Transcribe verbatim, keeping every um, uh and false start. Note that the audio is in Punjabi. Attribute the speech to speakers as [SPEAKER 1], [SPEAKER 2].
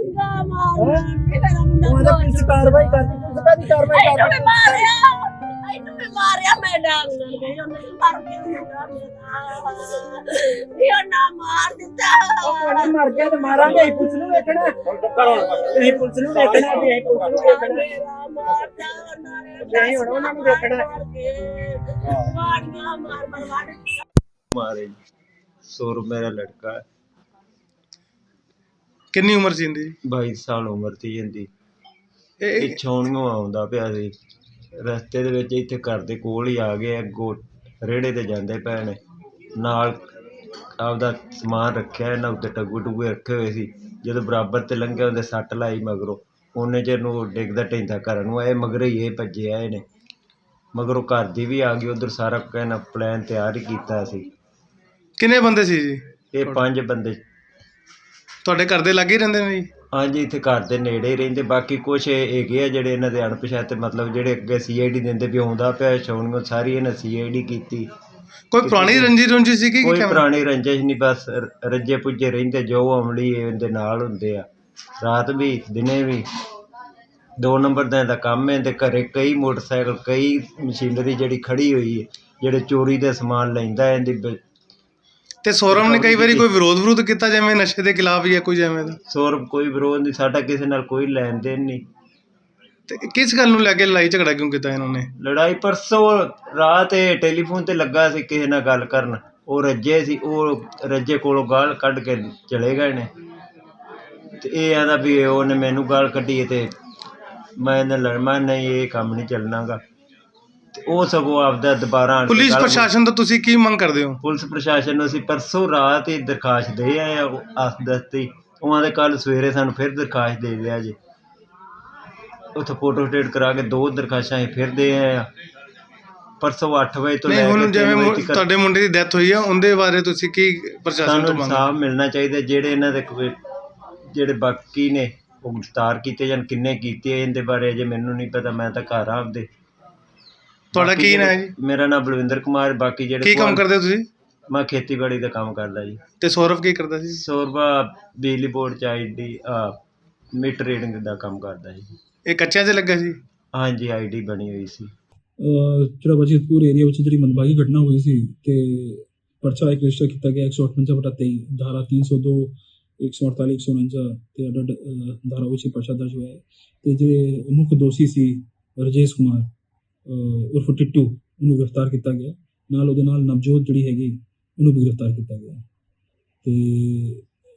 [SPEAKER 1] ਡੰਗਾ ਮਾਰਨਾ ਮੇਰਾ ਮੁੰਡਾ
[SPEAKER 2] ਉਹਦਾ ਪੁਲਿਸ ਕਾਰਵਾਈ ਕਰਦੀ, ਪੁਲਿਸ ਕਾਦੀ ਕਾਰਵਾਈ
[SPEAKER 1] ਇਹਨੂੰ ਵੀ
[SPEAKER 2] ਕਰਦੀ।
[SPEAKER 1] ਮਾਰਿਆ ਇਹਨੂੰ ਵੀ ਮਾਰਿਆ ਮੈਂ ਡਾਂਗ ਨਾਲ ਗਈ ਉਹਨੇ ਮਰ ਗਿਆ ਮੁੰਡਾ ਮੇਰਾ ਇਹ ਨਾ ਮਾਰ ਦਿੱਤਾ
[SPEAKER 2] ਉਹ ਮਰ ਗਿਆ ਤੇ ਮਾਰਾਂਗੇ, ਅਸੀਂ ਪੁਲਿਸ ਨੂੰ ਵੇਖਣਾ, ਅਸੀਂ ਪੁਲਿਸ ਨੂੰ ਵੇਖਣਾ, ਵੀ ਅਸੀਂ ਪੁਲਿਸ ਨੂੰ ਵੇਖਣਾ,
[SPEAKER 1] ਮੇਰਾ ਮਾਰਦਾ ਉਹਨਾਂ ਨੇ
[SPEAKER 2] ਨਹੀਂ ਹੁਣ ਉਹਨਾਂ ਨੂੰ ਵੇਖਣਾ।
[SPEAKER 1] ਮਾਰੀਆਂ ਮਾਰ ਮਾਰ ਮਾਰ
[SPEAKER 3] मारे सौर मेरा लड़का है,
[SPEAKER 4] ਕਿੰਨੀ ਉਮਰ ਸੀ ਇਹਦੀ?
[SPEAKER 3] बाईस साल उम्र थी इहदी।
[SPEAKER 4] ਇਹ ਇਹ-
[SPEAKER 3] ਪਿੱਛੋਂ ਆਉਂਦਾ ਪਿਆ ਸੀ, ਰਸਤੇ ਦੇ ਵਿੱਚ ਇੱਥੇ ਘਰ ਦੇ ਕੋਲ ਹੀ ਆ ਗਏ, ਅੱਗੋਂ ਰੇੜੇ ਤੇ ਜਾਂਦੇ ਪਏ ਨੇ, ਨਾਲ ਆਪਦਾ ਸਮਾਨ ਰੱਖਿਆ ਇਹਨਾਂ ਉੱਤੇ, ਟੱਗੂ ਟੁੱਗੇ ਰੱਖੇ ਹੋਏ ਸੀ। ਜਦੋਂ ਬਰਾਬਰ ਤੇ ਲੰਘਿਆ ਉਹਦੇ ਸੱਟ ਲਾਈ ਮਗਰੋਂ, ਉਹਨੇ ਚਿਰ ਨੂੰ ਡਿੱਗਦਾ ਢਹਿੰਦਾ ਘਰ ਨੂੰ ਆਏ, ਮਗਰ ਹੀ ਇਹ ਭੱਜੇ ਆਏ ਨੇ, ਮਗਰੋਂ ਘਰ ਦੀ ਵੀ ਆ ਗਈ ਉੱਧਰ, ਸਾਰਾ ਕਹਿਣਾ ਪਲਾਨ ਤਿਆਰ ਹੀ ਕੀਤਾ ਸੀ।
[SPEAKER 4] ਕਿੰਨੇ ਬੰਦੇ ਸੀ ਜੀ?
[SPEAKER 3] ਇਹ ਪੰਜ ਬੰਦੇ
[SPEAKER 4] ਤੁਹਾਡੇ ਘਰ ਦੇ ਲਾਗੇ ਹੀ ਰਹਿੰਦੇ ਨੇ ਜੀ?
[SPEAKER 3] ਹਾਂਜੀ, ਇੱਥੇ ਘਰ ਦੇ ਨੇੜੇ ਹੀ ਰਹਿੰਦੇ। ਬਾਕੀ ਕੁਛ ਹੈਗੇ ਆ ਜਿਹੜੇ ਇਹਨਾਂ ਦੇ ਅਣਪਛਾਤੇ, ਮਤਲਬ ਜਿਹੜੇ ਅੱਗੇ ਸੀ ਆਈ ਡੀ ਦਿੰਦੇ ਵੀ ਆਉਂਦਾ ਪਿਆ ਛਾਉਣੀਆਂ, ਸਾਰੀ ਇਹਨਾਂ ਸੀ ਆਈ ਡੀ ਕੀਤੀ।
[SPEAKER 4] ਕੋਈ ਪੁਰਾਣੀ ਰੰਜੀ ਰੁੰਜੀ ਸੀ ਕਿ
[SPEAKER 3] ਕੋਈ
[SPEAKER 4] ਕਿਵੇਂ?
[SPEAKER 3] ਪੁਰਾਣੀ ਰੰਜਿਸ਼ ਨਹੀਂ, ਬਸ ਰ- ਰੱਜੇ ਪੁੱਜੇ ਰਹਿੰਦੇ, ਜੋ ਅਮਲੀ ਇਹਦੇ ਨਾਲ ਹੁੰਦੇ ਆ, ਰਾਤ ਵੀ ਦਿਨੇ ਵੀ। ਦੋ ਨੰਬਰ ਦਾ ਇਹਦਾ ਕੰਮ ਹੈ, ਇਹਦੇ ਘਰੇ ਕਈ ਮੋਟਰਸਾਈਕਲ, ਕਈ ਮਸ਼ੀਨਰੀ ਜਿਹੜੀ ਖੜੀ ਹੋਈ ਹੈ, ਜਿਹੜੇ ਚੋਰੀ ਦਾ ਸਮਾਨ ਲੈਂਦਾ ਇਹਦੀ ਬ-
[SPEAKER 4] ਤੇ ਸੌਰਵ ਨੇ ਕਈ ਵਾਰੀ ਕੋਈ ਵਿਰੋਧ ਵਿਰੋਧ ਕੀਤਾ ਜਿਵੇਂ ਨਸ਼ੇ ਦੇ ਖਿਲਾਫ ਜਾਂ ਕੋਈ ਜਿਵੇਂ ਦਾ?
[SPEAKER 3] ਸੌਰਵ ਕੋਈ ਵਿਰੋਧ ਨਹੀਂ, ਸਾਡਾ ਕਿਸੇ ਨਾਲ ਕੋਈ ਲੈਣ ਦੇਣ ਨਹੀਂ।
[SPEAKER 4] ਤੇ ਕਿਸ ਗੱਲ ਨੂੰ ਲੈ ਕੇ ਲੜਾਈ ਝਗੜਾ ਕਿਉਂ ਕੀਤਾ ਇਹਨਾਂ ਨੇ?
[SPEAKER 3] ਲੜਾਈ ਪਰਸੋਂ ਰਾਤ ਇਹ ਟੈਲੀਫੋਨ ਤੇ ਲੱਗਾ ਸੀ ਕਿਸੇ ਨਾਲ ਗੱਲ ਕਰਨ, ਉਹ ਰੱਜੇ ਸੀ, ਉਹ ਰੱਜੇ ਕੋਲੋਂ ਗਾਲ ਕੱਢ ਕੇ ਚਲੇ ਗਏ ਨੇ, ਤੇ ਇਹ ਆਂਦਾ ਵੀ ਉਹਨੇ ਮੈਨੂੰ ਗਾਲ ਕੱਢੀ ਤੇ ਮੈਂ ਇਹਨੇ ਲੜ ਮੈਂ ਨਹੀਂ ਇਹ ਕੰਮ ਨਹੀਂ ਚੱਲਣਾਗਾ, ਤੇ ਉਹ ਸਗੋਂ ਆਪਦਾ ਦੁਬਾਰਾ ਆਣ ਕੇ
[SPEAKER 4] ਪੁਲਿਸ
[SPEAKER 3] ਗਾਲ-
[SPEAKER 4] ਪ੍ਰਸ਼ਾਸਨ ਤੋਂ ਤੁਸੀਂ ਕੀ ਮੰਗ ਕਰਦੇ ਹੋ?
[SPEAKER 3] ਪੁਲਿਸ ਪ੍ਰਸ਼ਾਸਨ ਨੂੰ ਅਸੀਂ ਪਰਸੋਂ ਰਾਤ ਹੀ ਦਰਖਾਸਤ ਦੇ ਆਏ ਆ, ਆਸ ਦਸਤੀ ਉਹਨਾਂ ਦੇ ਕੱਲ ਸਵੇਰੇ ਸਾਨੂੰ ਫਿਰ ਦਰਖਾਸਤ ਦੇ ਦਿਆ ਜੀ, ਉੱਥੇ ਫੋਟੋ ਸਟੇਟ ਕਰਾ ਕੇ ਦੋ ਦਰਖਾਸਤਾਂ ਅਸੀਂ ਫਿਰ ਦੇ ਆਏ ਆ ਪਰਸੋਂ ਅੱਠ ਵਜੇ ਤੋਂ
[SPEAKER 4] ਨਹੀਂ
[SPEAKER 3] ਲੈ
[SPEAKER 4] ਹੁਣ
[SPEAKER 3] ਕੇ
[SPEAKER 4] ਜਿਵੇਂ
[SPEAKER 3] ਤਿੰਨ
[SPEAKER 4] ਮੁ-
[SPEAKER 3] ਵਜੇ ਤੱਕ।
[SPEAKER 4] ਤੁਹਾਡੇ ਮੁੰਡੇ ਦੀ ਡੈਥ ਹੋਈ ਆ, ਉਹਦੇ ਬਾਰੇ ਤੁਸੀਂ ਕੀ ਪ੍ਰਸ਼ਾਸਨ
[SPEAKER 3] ਸਾਨੂੰ
[SPEAKER 4] ਤੋਂ ਮੰਗ?
[SPEAKER 3] ਇਨਸਾਫ ਮਿਲਣਾ ਚਾਹੀਦਾ, ਜਿਹੜੇ ਇਹਨਾਂ ਦੇ ਕੋਈ ਜਿਹੜੇ ਬਾਕੀ ਨੇ ਉਹ ਗ੍ਰਿਫਤਾਰ ਕੀਤੇ ਜਾਣ, ਕਿੰਨੇ ਕੀਤੇ ਇਹਦੇ ਬਾਰੇ ਅਜੇ ਮੈਨੂੰ ਨਹੀਂ ਪਤਾ, ਮੈਂ ਤਾਂ ਘਰ ਆ ਆਪਦੇ।
[SPEAKER 4] ਤੁਹਾਡਾ
[SPEAKER 3] ਬਾਕੀ
[SPEAKER 4] ਕੀ ਨਾਂ ਹੈ
[SPEAKER 3] ਜਿਹੜੇ-
[SPEAKER 4] ਜੀ?
[SPEAKER 3] ਮੇਰਾ ਨਾਮ ਬਲਵਿੰਦਰ ਕੁਮਾਰ। ਬਾਕੀ ਜਿਹੜੇ
[SPEAKER 4] ਕੀ ਕੰਮ ਕਰਦੇ ਹੋ ਤੁਸੀਂ?
[SPEAKER 3] ਮੈਂ ਖੇਤੀਬਾੜੀ ਦਾ ਕੰਮ ਕਰਦਾ ਜੀ।
[SPEAKER 4] ਤੇ ਸੌਰਵ ਕੀ ਕਰਦਾ ਸੀ?
[SPEAKER 3] ਸੌਰਵਾ ਬਿਜਲੀ ਬੋਰਡ ਚ ਆਈ ਡੀ ਮੀਟਰ ਰੀਡਿੰਗ ਦਾ ਕੰਮ ਕਰਦਾ ਜੀ।
[SPEAKER 4] ਇਹ ਕੱਚਿਆਂ 'ਚ ਲੱਗਾ ਸੀ?
[SPEAKER 3] ਹਾਂਜੀ, ਆਈ ਡੀ ਬਣੀ ਹੋਈ ਸੀ।
[SPEAKER 5] ਜਿਹੜਾ ਵਜੀਦਪੁਰ ਏਰੀਆ ਵਿੱਚ ਜਿਹੜੀ ਮੰਦਭਾਗੀ ਘਟਨਾ ਹੋਈ ਸੀ ਤੇ ਪਰਚਾ ਇੱਕ ਰਜਿਸਟਰ ਕੀਤਾ ਗਿਆ ਇੱਕ ਸੌ ਅਠਵੰਜਾ ਬਟਾ ਤੇਈ ਧਾਰਾ ਤਿੰਨ ਸੌ ਦੋ ਇੱਕ ਸੌ ਅੜਤਾਲੀ ਇੱਕ ਸੌ ਉਣੰਜਾ ਤੇ ਅਡਡ ਧਾਰਾ ਵਿੱਚ ਪਰਚਾ ਦਰਜ ਹੋਇਆ ਹੈ ਤੇ ਜਿਹੜੇ ਮੁੱਖ ਦੋਸ਼ੀ ਸੀ ਰਜੇਸ਼ ਕੁਮਾਰ ਉਰਫ ਟਿੱਟੂ, ਉਹਨੂੰ ਗ੍ਰਿਫਤਾਰ ਕੀਤਾ ਗਿਆ, ਨਾਲ ਉਹਦੇ ਨਾਲ ਨਵਜੋਤ ਜਿਹੜੀ ਹੈਗੀ ਉਹਨੂੰ ਵੀ ਗ੍ਰਿਫਤਾਰ ਕੀਤਾ ਗਿਆ ਤੇ